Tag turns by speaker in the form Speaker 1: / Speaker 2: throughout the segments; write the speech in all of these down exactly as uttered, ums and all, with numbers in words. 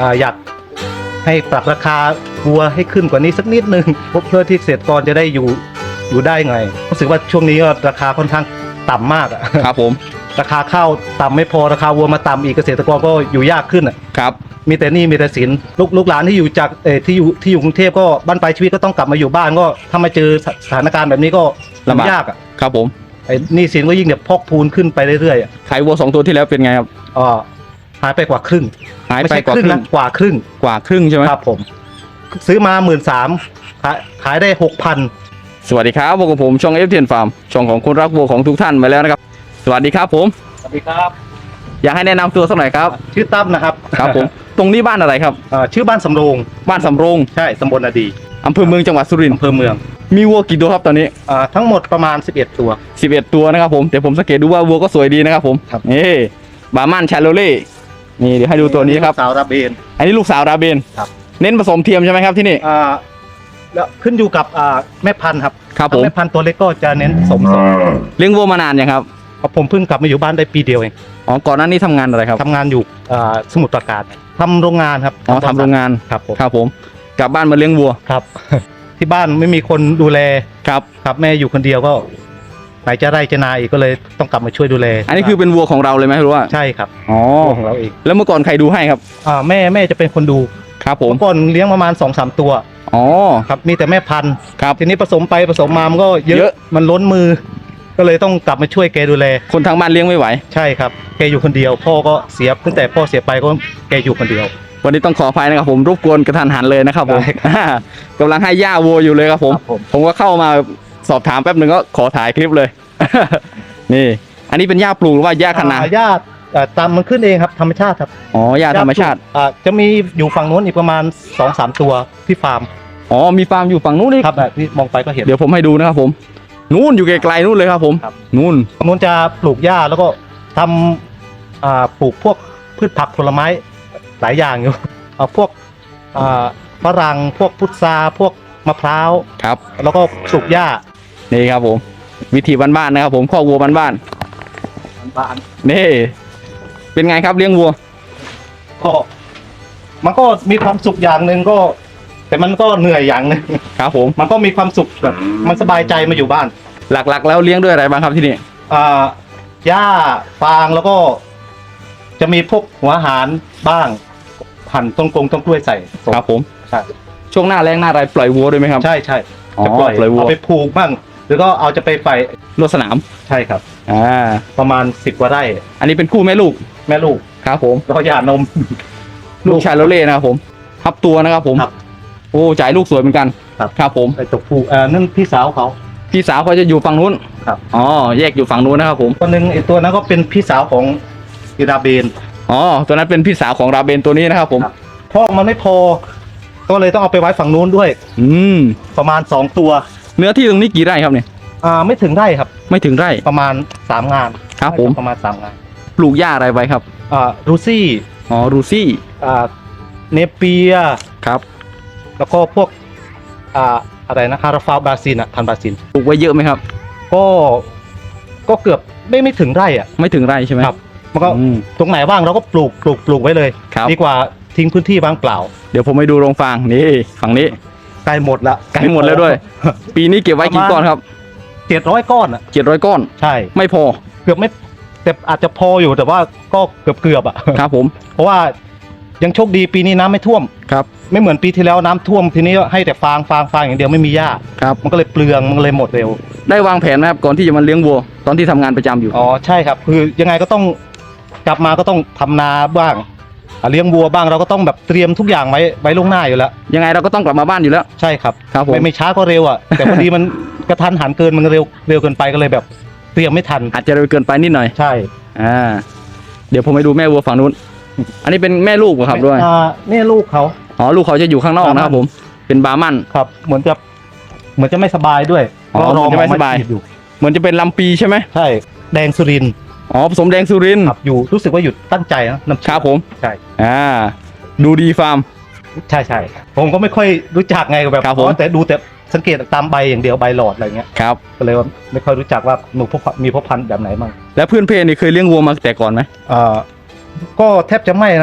Speaker 1: อ่าอยากให้ปรับราคาวัวให้ขึ้นกว่านี้สักนิดนึงเพื่อที่เกษตรกรจะได้อยู่อยู่ได้ไงรู้สึกว่าช่วงนี้ก็ราคาค่อนข้างต่ำมากอะ
Speaker 2: ครับผม
Speaker 1: ราคาข้าวต่ำไม่พอราคาวัวมาต่ำอีกเกษตรกรก็อยู่ยากขึ้นอ่ะ
Speaker 2: ครับ
Speaker 1: มีแต่หนี้มีแต่สินลูกลูกหลานที่อยู่จากเออที่อยู่ที่อยู่กรุงเทพก็บ้านปลายชีวิตก็ต้องกลับมาอยู่บ้านก็ถ้ามาเจอสถานการณ์แบบนี้ก็ลำบากยากอ่ะ
Speaker 2: ครับผม
Speaker 1: ไอ้หนี้สินก็ยิ่งแบบพอกพูนขึ้นไปเรื่อยๆอ่ะ
Speaker 2: ขายวัวสองตัวที่แล้วเป็นไงครับ
Speaker 1: อ๋อหายไปกว่าครึ่ง
Speaker 2: หายไปกว่าครึ่ง
Speaker 1: นะกว่าครึ่ง
Speaker 2: กว่าครึ่งใช่ไหม
Speaker 1: ครับผมซื้อมาหมื่นสามขายขายได้หกพัน
Speaker 2: สวัสดีครับพวกผมช่องเอฟเทียนฟาร์มช่องของคนรักวัวของทุกท่านมาแล้วนะครับสวัสดีครับผม
Speaker 1: สวัสดีครับ
Speaker 2: อยากให้แนะนำตัวสักหน่อยครับ
Speaker 1: ชื่อตั้มนะครับ
Speaker 2: ครับผมตรงนี้บ้านอะไรครับ
Speaker 1: ชื่อบ้านสำโรง
Speaker 2: บ้านสำโรง
Speaker 1: ใช่ตำบลนาดี
Speaker 2: อำเภอเมืองจังหวัดสุรินทร์
Speaker 1: อำเภอเมือง
Speaker 2: มีวัวกี่ตัวครับตอนนี้
Speaker 1: ทั้งหมดประมาณสิบเอ็ดตัว
Speaker 2: สิบเอ็ดตัวนะครับผมแต่ผมสังเกตดูว่าวัวก็สวยดีนะครับผมนี่บาร์มันชาโลเล่นี่เดี๋ยวให้ดูตัวนี้ครับ
Speaker 1: สาวราเบน
Speaker 2: อันนี้ลูกสาวราเบน
Speaker 1: ครับ
Speaker 2: เน้นผสมเทียมใช่ไหมครับที่นี่
Speaker 1: อ่าแล้วขึ้นอยู่กับอ่าแม่พันธุ์ครับ
Speaker 2: ครับผม
Speaker 1: แม่พันธุ์ตัวเล็กก็จะเน้นสมสม
Speaker 2: เลี้ยงวัวมานานยังครับ
Speaker 1: ผมเพิ่งกลับมาอยู่บ้านได้ปีเดียวเอง
Speaker 2: อ๋อก่อนหน้านี้ทำงานอะไรครับ
Speaker 1: ทำงานอยู่สมุทรปราการทำโรงงานครับ
Speaker 2: อ๋อทำโรงงาน
Speaker 1: ครับผม
Speaker 2: ครับผมกลับบ้านมาเลี้ยงวัว
Speaker 1: ครับที่บ้านไม่มีคนดูแล
Speaker 2: ครับ
Speaker 1: ครับแม่อยู่คนเดียวก็ไหนจะไร่จะนาอีกก็เลยต้องกลับมาช่วยดูแล
Speaker 2: อันนี้คือเป็นวัวของเราเลยไหมรู้ว่า
Speaker 1: ใช่ครับ
Speaker 2: อ๋อ
Speaker 1: ของเราเอง
Speaker 2: แล้วเมื่อก่อนใครดูให้ครับ
Speaker 1: อ่าแม่แม่จะเป็นคนดู
Speaker 2: ครับผม
Speaker 1: เมื่อก่อนเลี้ยงประมาณสองสามตัว
Speaker 2: อ๋อ
Speaker 1: ครับมีแต่แม่พันธุ์
Speaker 2: ครับ
Speaker 1: ทีนี้ผสมไปผสมมามันก็เยอะมันล้นมือก็เลยต้องกลับมาช่วยแกดูแล
Speaker 2: คนทางบ้านเลี้ยงไม่ไหว
Speaker 1: ใช่ครับแกอยู่คนเดียวพ่อก็เสียตั้งแต่พ่อเสียไปก็แกอยู่คนเดียว
Speaker 2: วันนี้ต้องขออภัยนะครับผมรบกวนกระทันหันเลยนะครับผมกำลังให้ย่าวัวอยู่เลยครับผมผมก็เข้ามาสอบถามแป๊บหนึ่งก็ขอถ่ายคลิปเลยนี่อันนี้เป็นหญ้าปลูกหรือว่าหญ้าคะนา
Speaker 1: หญ้าตามมันขึ้นเองครับธรรมชาติครับ
Speaker 2: อ๋อหญ้าธรรมชาติ
Speaker 1: อ่าจะมีอยู่ฝั่งนู้นอีกประมาณ สองสาม ตัวที่ฟาร์ม
Speaker 2: อ๋อมีฟาร์มอยู่ฝั่งนู้นนี่
Speaker 1: ครับนี่มองไปก็เห็น
Speaker 2: เดี๋ยวผมให้ดูนะครับผมนู้นอยู่ไกลๆนู้นเลยครับผมนู้น
Speaker 1: นู้นจะปลูกหญ้าแล้วก็ทำอ่าปลูกพวกพืชผักผลไม้หลายอย่างอยู่เอาพวกอ่าฝรั่งพวกพุทราพวกมะพร้าว
Speaker 2: ครับ
Speaker 1: แล้วก็ปลูกหญ้า
Speaker 2: นี่ครับผมวิธีบ้านๆนะครับผมข้อวัวบ้าน
Speaker 1: บ้าน
Speaker 2: นี่เป็นไงครับเลี้ยงวัว
Speaker 1: ก็มันก็มีความสุขอย่างหนึ่งก็แต่มันก็เหนื่อยอย่างหนึ่ง
Speaker 2: ครับผม
Speaker 1: มันก็มีความสุขแบบมันสบายใจมาอยู่บ้าน
Speaker 2: หลักๆแล้วเลี้ยงด้วยอะไรบ้างครับที่นี่
Speaker 1: อ่าหญ้าฟางแล้วก็จะมีพวกหัวอาหารบ้างหั่นต้นกงต้นกล้วยใส่
Speaker 2: ครับผม
Speaker 1: ใช่
Speaker 2: ช่วงหน้าแรงหน้าไรปล่อยวัวด้วยไหมครับ
Speaker 1: ใช่ใช่
Speaker 2: จะปล่อยวัว
Speaker 1: เอาไปผูกบ้างหรือก็เอาจะไปไฟ
Speaker 2: รถสนาม
Speaker 1: ใช่ครับ
Speaker 2: อ่า
Speaker 1: ประมาณสิบกว่าไร่
Speaker 2: อันนี้เป็นคู่แม่ลูก
Speaker 1: แม่ลูก
Speaker 2: ครับผม
Speaker 1: แล้วก็หย่านม
Speaker 2: ลูกชายโรเล่นะครับผมทับตัวนะครับผมโอ้จ่ายลูกสวยเหมือนกัน
Speaker 1: ครับ
Speaker 2: ครับผม
Speaker 1: ไอ้ตัวผู้อ่านั่นพี่สาวเขา
Speaker 2: พี่สาวเขาจะอยู่ฝั่งนู้น
Speaker 1: ครับ
Speaker 2: อ๋อแยกอยู่ฝั่งนู้นนะครับผม
Speaker 1: ตัวหนึ่งไอ้ตัวนั้นก็เป็นพี่สาวของอิราเบน
Speaker 2: อ๋อตัวนั้นเป็นพี่สาวของราเบนตัวนี้นะครับผม
Speaker 1: พ่อมันไม่พอก็เลยต้องเอาไปไว้ฝั่งนู้นด้วย
Speaker 2: อืม
Speaker 1: ประมาณสองตัว
Speaker 2: เนื้อที่ตรงนี้กี่ไร่ครับเนี่ย
Speaker 1: อ่าไม่ถึงไร่ครับ
Speaker 2: ไม่ถึงไร่
Speaker 1: ประมาณสามงาน
Speaker 2: ครับผม
Speaker 1: ประมาณสามงาน
Speaker 2: ปลูกหญ้าอะไรไว้ครับ
Speaker 1: อ่ารูซี่
Speaker 2: อ๋อรูซี่
Speaker 1: อ่าเนเปีย
Speaker 2: ครับ
Speaker 1: แล้วก็พวกอ่าอะไรนะคาราฟาบาซินอ่ะพันบาซิน
Speaker 2: ปลูกไว้เยอะไหมครับ
Speaker 1: ก็ก็เกือบไม่ไม่ถึงไร่อ่ะ
Speaker 2: ไม่ถึงไร่ใช่ไหม
Speaker 1: ครับมันก็ตรงไหนว่างเราก็ปลูกปลูกปลูกไว้เลยดีกว่าทิ้งพื้นที่ว่างเปล่า
Speaker 2: เดี๋ยวผมไปดูโรงฟางนี่ฝั่งนี้
Speaker 1: ใกล้หมดละ
Speaker 2: ใกล้หมดแล้วด้วยปีนี้เก็บไว้กี่ก้อนครับ
Speaker 1: เจ็ดร้อยก้อนอ่ะ
Speaker 2: เจ็ดร้อยก้อน
Speaker 1: ใช่
Speaker 2: ไม่พอ
Speaker 1: เกือบไม่แต่อาจจะพออยู่แต่ว่าก็เกือบเกือบอ่ะ
Speaker 2: ครับผม
Speaker 1: เพราะว่ายังโชคดีปีนี้น้ำไม่ท่วม
Speaker 2: ครับ
Speaker 1: ไม่เหมือนปีที่แล้วน้ำท่วมทีนี้ให้แต่ฟางฟางฟางอย่างเดียวไม่มีหญ้า
Speaker 2: ครับ
Speaker 1: มันก็เลยเปลืองมันเลยหมดเร็ว
Speaker 2: ได้วางแผนไหมครับก่อนที่จะมาเลี้ยงวัวตอนที่ทำงานประจำอยู่
Speaker 1: อ๋อใช่ครับคือยังไงก็ต้องกลับมาก็ต้องทำนาบ้างเลี้ยงวัวบ้างเราก็ต้องแบบเตรียมทุกอย่างไว้ไว้ล่วงหน้าอยู่แล้ว
Speaker 2: ยังไงเราก็ต้องกลับมาบ้านอยู่แล้ว
Speaker 1: ใช่ครับ
Speaker 2: ครับผม
Speaker 1: ไม่ไม่ช้าก็เร็วอ่ะแต่พอดีมันกระทันหันเกินมันเร็วเร็วเกินไปก็เลยแบบเตรียมไม่ทัน
Speaker 2: อาจจะเร็วเกินไปนิดหน่อย
Speaker 1: ใช่
Speaker 2: อ่าเดี๋ยวผมไปดูแม่วัวฝั่งนู้นอันนี้เป็นแม่ลูกครับด้วย
Speaker 1: อ่านี่ลูกเขา
Speaker 2: อ๋อลูกเขาจะอยู่ข้างนอกนะครับผมเป็นบาร์มัน
Speaker 1: ครับเหมือนจะเหมือนจะไม่สบายด้วย
Speaker 2: อ๋อเหมือนจะไม่สบายอยู่เหมือนจะเป็นลำปีใช่ไหม
Speaker 1: ใช่แดงสุริน
Speaker 2: อ๋อผสมแดงสุริน
Speaker 1: ครับอยู่รู้สึกว่าอยู่ตั้งใจนะน้ำ
Speaker 2: ครับผม
Speaker 1: ใช่
Speaker 2: อ่าดูดีฟาร์ม
Speaker 1: ใช่ใช่ผมก็ไม่ค่อยรู้จักไงแบบแต่ดูแต่สังเกตตามใบอย่างเดียวใบหลอดอะไรเงี้ย
Speaker 2: ครับ
Speaker 1: ก็เลยว่าไม่ค่อยรู้จักว่าหนูพวกมีพ่อพันธุ์แบบไหนบ้าง
Speaker 2: แล้วเพื่อนเพนี่เคยเลี้ยงวัวมาแต่ก่อนไหม
Speaker 1: อ่าก็แทบจะไม่นะ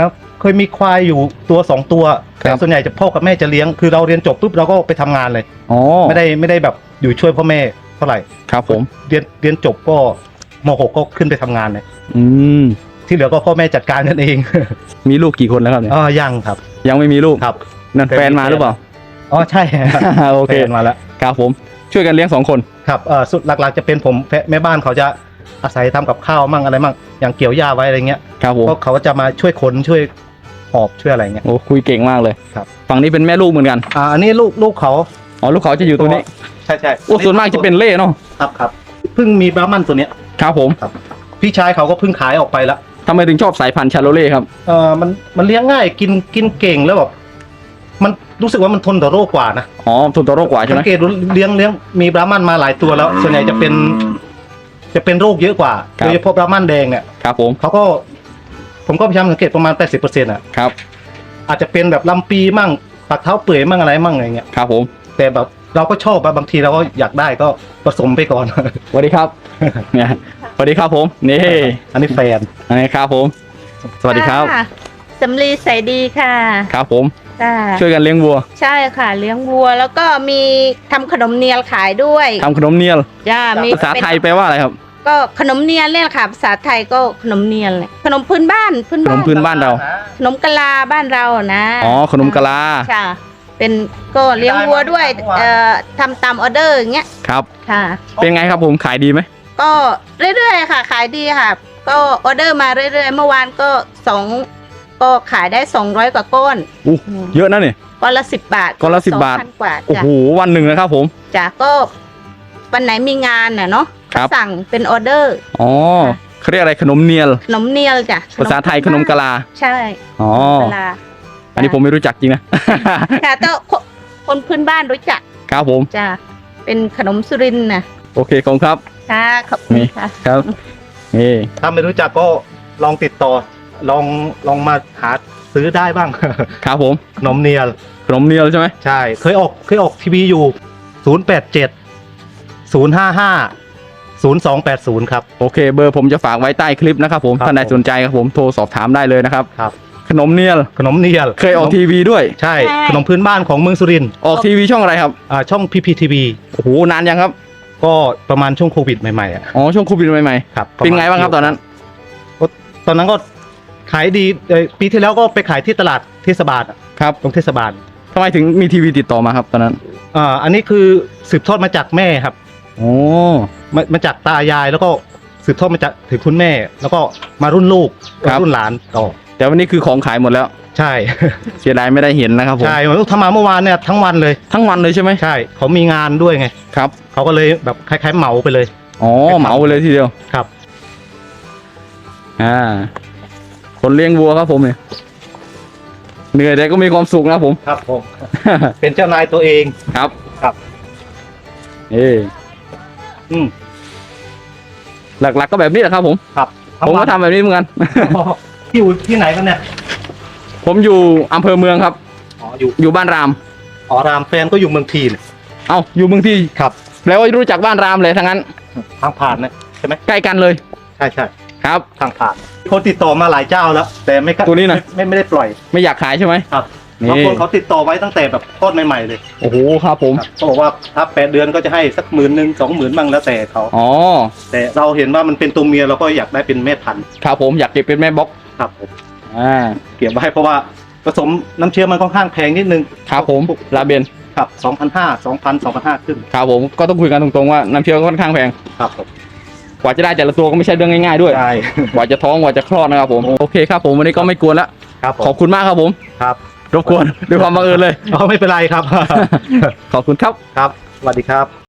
Speaker 1: เคยมีควายอยู่ตัวสองตัว
Speaker 2: ครับ
Speaker 1: แต่ส่วนใหญ่จะพ่อกับแม่จะเลี้ยงคือเราเรียนจบปุ๊บเราก็ไปทำงานเลย
Speaker 2: อ๋อ
Speaker 1: ไม่ได้ไม่ได้แบบอยู่ช่วยพ่อแม่เท่าไหร่
Speaker 2: ครับผม
Speaker 1: เรียนเรียนจบก็มหกก็ขึ้นไปทำงานเลย
Speaker 2: อืม
Speaker 1: ที่เหลือก็พ่อแม่จัดการกันเอง
Speaker 2: มีลูกกี่คนแล้วครับเนี่ย
Speaker 1: อ๋อยังครับ
Speaker 2: ยังไม่มีลูก
Speaker 1: ครับ
Speaker 2: นั่นแฟนมาหรือเปล่า
Speaker 1: อ๋อใช่
Speaker 2: โอเค
Speaker 1: แฟนมาแล้ว
Speaker 2: ครับผมช่วยกันเลี้ยงสองคน
Speaker 1: ครับเอ่อสุดหลักๆจะเป็นผมแฟแม่บ้านเขาจะอาศัยทำกับข้าวมั่งอะไรมั่งอย่างเกี่ยวหญ้าไว้อะไรเงี้ย
Speaker 2: ครับผม
Speaker 1: ก็เขาก็จะมาช่วยขนช่วยหอบช่วยอะไรเงี้ย
Speaker 2: โอ้คุยเก่งมากเลย
Speaker 1: ครับ
Speaker 2: ฝั่งนี้เป็นแม่ลูกเหมือนกัน
Speaker 1: อ่าอันนี้ลูกลูกเขา
Speaker 2: อ๋อลูกเขาจะอยู่ตัวนี้
Speaker 1: ใช่ใช่
Speaker 2: โอ้ส่วนมากจะเป็นเล่เนาะ
Speaker 1: ครับครับเพิ่งมีบราหมันตัวเนี้ย
Speaker 2: ครับผม
Speaker 1: พี่ชายเขาก็เพิ่งขายออกไปละ
Speaker 2: ทำไมถึงชอบสายพันธุ์ชาโลเล่ครับ
Speaker 1: เออมันมันเลี้ยงง่ายกินกินเก่งแล้วแบบมันรู้สึกว่ามันทนต่อโรคกว่านะ
Speaker 2: อ๋อทนต่อโรคกว่าใช่ไหม
Speaker 1: สังเกตดูเลี้ยงเลี้ยงมีบราหมันมาหลายตัวแล้ว ส่วนใหญ่จะเป็น จะเป็นโรคเยอะกว่าโดยเฉพาะบราหมันแดงเนี่ย
Speaker 2: ครับผม
Speaker 1: เขาก็ผมก็พยายามสังเกตประมาณแปดสิบเปอร์เซ็นต์อ่ะ
Speaker 2: ครับ
Speaker 1: อาจจะเป็นแบบลำปีมั่งปักเท้าเปื่อยมั่งอะไรมั่งอะไรเงี้ย
Speaker 2: ครับผม
Speaker 1: แต่แบบเราก็ชอบอะบางทีเราก็อยากได้ก็ผสมไปก่อน
Speaker 2: สวัสดีครับ เนี่ยสวัสดีครับผมนี่
Speaker 1: อันนี้แฟน
Speaker 2: อันนี้ครับผม สวัสดีครับ
Speaker 3: ะสำลีใสดีค่ะ
Speaker 2: ครับผม
Speaker 3: จ้า
Speaker 2: ช่วยกันเลี้ยงวัว
Speaker 3: ใช่ค่ะเลี้ยงวัวแล้วก็มีทำขนมเนียลขายด้วย
Speaker 2: ทำขนมเนียล
Speaker 3: จ้ามี
Speaker 2: ภาษาไทย
Speaker 3: เป็น
Speaker 2: แปลว่าอะไรครับ
Speaker 3: ก็ขนมเนียลเนี่ยค่ะภาษาไทยก็ขนมเนียลเนี่ยขนมพื้นบ้านพื้น
Speaker 2: ขน
Speaker 3: บ้าม น
Speaker 2: พื้นบ้านเรา
Speaker 3: ขนมกะลาบ้านเรานะ
Speaker 2: อ๋อขนมกะลา
Speaker 3: ค่ะเป็นก็เลี้ยงวัวด้วยเอ่อทำตามออเดอร์อย่างเงี้ย
Speaker 2: ครับ
Speaker 3: ค่ะ
Speaker 2: เป็นไงครับผมขายดีไหม
Speaker 3: ก็เรื่อยๆค่ะ ขายดีค่ะ ก็ออเดอร์มาเรื่อยๆเมื่อวานก็สองก็ขายได้สองร้อยกว่าก้อน
Speaker 2: อู้เยอะนะเนี่ย
Speaker 3: ก้อนละสิบบาท
Speaker 2: ก้อนละ10บาท
Speaker 3: สองพันกว่า
Speaker 2: โอ้
Speaker 3: จ้ะ
Speaker 2: โหวันหนึ่งนะครับผม
Speaker 3: จ้ะก็วันไหนมีงานน่ะเนาะ
Speaker 2: ครับ
Speaker 3: สั่งเป็นออเดอร์
Speaker 2: อ๋อเขาเรียกอะไรขนมเนียล
Speaker 3: ขนมเนียลจ้ะ
Speaker 2: ภาษาไทยขนมกะลา
Speaker 3: ใช่
Speaker 2: อ๋อ
Speaker 3: กะลา
Speaker 2: อันนี้ผมไม่รู้จักจริงนะ
Speaker 3: ค่ะแต่คนคนพื้นบ้านรู้จัก
Speaker 2: ครับผม
Speaker 3: จ้ะเป็นขนมสุรินทร์น่ะ
Speaker 2: โอเคขอบคุณครับ
Speaker 3: ค่ะขอบคุณ
Speaker 2: นี่
Speaker 3: ค่ะ
Speaker 2: ครับนี่
Speaker 1: ถ้าไม่รู้จักก็ลองติดต่อ ลองลองมาหาซื้อได้บ้าง
Speaker 2: ครับผม
Speaker 1: ขนมเนียล
Speaker 2: ขนมเนียลใช่ไหม
Speaker 1: ใช่ เคยออกเคยออกทีวีอยู่ ศูนย์ แปด เจ็ด ศูนย์ ห้า ห้า ศูนย์ สอง แปด ศูนย์ ครับ
Speaker 2: โอเค เบอร์ผมจะฝากไว้ใต้คลิปนะครับผม
Speaker 1: ครับ
Speaker 2: ท่านใด
Speaker 1: ผม
Speaker 2: สนใจครับผมโทรสอบถามได้เลยนะครับ
Speaker 1: ครับ
Speaker 2: ขนมเนียล
Speaker 1: ขนมเนียล
Speaker 2: เคยออกทีวีด้วย
Speaker 1: ใช่ ขนมพื้นบ้านของเมืองสุรินทร์
Speaker 2: ออกทีวีช่องอะไรครับ
Speaker 1: อ่าช่อง พี พี ที วี
Speaker 2: โอ้โหนานยังครับ
Speaker 1: ก็ประมาณช่วงโควิดใหม่ๆอ่ะ
Speaker 2: อ๋อช่วงโควิดใหม่
Speaker 1: ครับ
Speaker 2: ๆเป็นไงบ้างครับตอนนั้น
Speaker 1: ตอนนั้นก็ขายดีเอ่อปีที่แล้วก็ไปขายที่ตลาดเทศบาลอะ
Speaker 2: ครับ
Speaker 1: ตรงเทศบาล
Speaker 2: ทำไมถึงมีทีวีติดต่อมาครับตอนนั้น
Speaker 1: อ่าอันนี้คือสืบทอดมาจากแม่ครับ
Speaker 2: โอ้
Speaker 1: มามาจากตายายแล้วก็สืบทอดมาจากถึงคุณแม่ แล้วก็มารุ่นลูกรุ่นหลานต่อ
Speaker 2: แต่วันนี้คือของขายหมดแล้ว
Speaker 1: ใช่
Speaker 2: เสียดายไม่ได้เห็นนะครับผม
Speaker 1: ใช่ผมทำมาเมื่อวานเนี่ยทั้งวันเลย
Speaker 2: ทั้งวันเลยใช่ไหม
Speaker 1: ใช่เขามีงานด้วยไง
Speaker 2: ครับ
Speaker 1: เขาก็เลยแบบคล้ายๆเหมาไปเลย
Speaker 2: อ๋อเหมาไปเลยทีเดียว
Speaker 1: ครับ
Speaker 2: อ่าคนเลี้ยงวัวครับผมเนี่ยเหนื่อยแต่ก็มีความสุขนะครับผม
Speaker 1: ครับผม เป็นเจ้านายตัวเอง
Speaker 2: ครับ
Speaker 1: ครับ
Speaker 2: เออ
Speaker 1: อืม
Speaker 2: หลักๆก็แบบนี้แหละครับผม
Speaker 1: ครับ
Speaker 2: ผมก็ทำแบบนี้เหมือนกัน
Speaker 1: ที่อยู่ที่ไหนกันเนี่ย
Speaker 2: ผมอยู่อำเภอเมืองครับ
Speaker 1: อ๋ออยู่
Speaker 2: อยู่บ้านราม
Speaker 1: อ๋อรามแฟนก็อยู่เมืองทีน
Speaker 2: เอ้าอยู่เมืองที่
Speaker 1: ครับ
Speaker 2: แปลว่ารู้จักบ้านรามเลยทั้งนั้น
Speaker 1: ทางผ่านนะใช่ไหม
Speaker 2: ใกล้กันเลย
Speaker 1: ใช่ใช่
Speaker 2: ครับ
Speaker 1: ทางผ่านคนติดต่อมาหลายเจ้าแล้ว แต่ไม่กล้า
Speaker 2: ตัวนี้นะ
Speaker 1: ไม่ไม่ได้ปล่อย
Speaker 2: ไม่อยากขายใช่ไหม
Speaker 1: ครับ
Speaker 2: นี่
Speaker 1: บางคนเขาติดต่อไว้ตั้งแต่แบบทอดใหม่ๆเลย
Speaker 2: โอ้โหครับผม
Speaker 1: ครับเขาบอกว่าถ้าแปดเดือนก็จะให้สักหมื่นหนึ่งสองหมื่นบ้างแล้วแต่เขา
Speaker 2: อ๋อ
Speaker 1: แต่เราเห็นว่ามันเป็นตัวเมียเราก็อยากได้เป็นแม่พันธุ์
Speaker 2: ครับผมอยากเก็บเป็นแม่บล็อก
Speaker 1: ครับผม
Speaker 2: อ่า
Speaker 1: เก็บไว้เพราะว่าผสมน้ำเชื้อมันค่อนข้างแพงนิดนึง
Speaker 2: ครับผมลาเบน
Speaker 1: ครับสองพันห้าสองพันสองพันห้าขึ้น
Speaker 2: ครับผมก็ต้องคุยกันตรงๆว่าน้ำเชื้อค่อนข้างแพง
Speaker 1: ครับผม
Speaker 2: กว่าจะได้แต่ละตัวก็ไม่ใช่เรื่องง่ายๆด้วย
Speaker 1: ใช่
Speaker 2: กว่าจะท้องกว่าจะคลอดนะครับผมโอเคครับผมวันนี้ก็ไม่กวนละ
Speaker 1: ครับผ
Speaker 2: ขอ
Speaker 1: ม
Speaker 2: บคุณมากครับผม
Speaker 1: ครับ
Speaker 2: รบกวนด้วยความบังเอิญเลย
Speaker 1: เอาไม่เป็นไรครับ
Speaker 2: ขอบคุณครับ
Speaker 1: ครับสวัสดีครับ